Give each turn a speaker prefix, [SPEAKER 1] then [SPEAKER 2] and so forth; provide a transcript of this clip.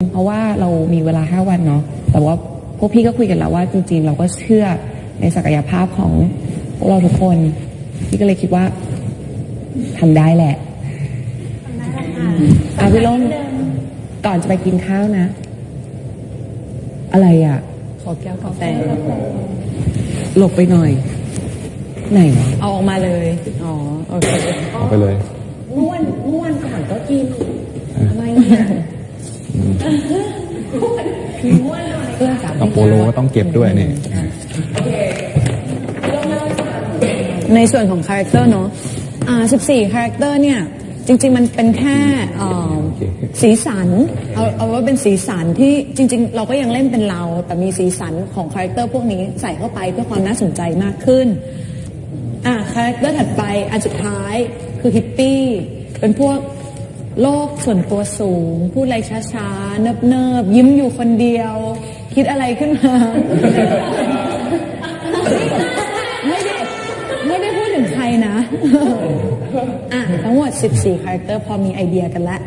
[SPEAKER 1] เพราะว่าเรามีเวลา5 วันเนาะแต่ว่าพวกพี่ก็คุยกันแล้วว่าจริงๆเราก็เชื่อในศักยภาพของพวกเราทุกคนพี่ก็เลยคิดว่าทำได้แหละพี่ล้มก่อนจะไปกินข้าวนะอะไรอ่ะ
[SPEAKER 2] ขอแก้วกาแฟ
[SPEAKER 1] หลบไปหน่อยไหนวะ
[SPEAKER 2] เอาออกมาเลยอ๋อโอเค
[SPEAKER 3] เอาไปเลย
[SPEAKER 1] ม่วนก่อนก็กินทำไมเนี่ยพี่ม่วนหน่อยเพื่อนสาม
[SPEAKER 3] กับโปโลก็ต้องเก็บด้วยนี่
[SPEAKER 2] ในส่วนของคาแรคเตอร์เนาะ14คาแรคเตอร์เนี่ยจริงๆมันเป็นแค่สีสันเอาว่าเป็นสีสันที่จริงๆเราก็ยังเล่นเป็นเราแต่มีสีสันของคาแรคเตอร์พวกนี้ใส่เข้าไปเพื่อความน่าสนใจมากขึ้นคาแรคเตอร์ถัดไปอันสุดท้ายคือฮิปปี้เป็นพวกโลกส่วนตัวสูงพูดอะไรช้าๆเนิบๆยิ้มอยู่คนเดียวคิดอะไรขึ้นมาไม่ได้พูดถึงใครนะทั้งหมด14คาแรคเตอร์พอมีไอเดียกันแล้ว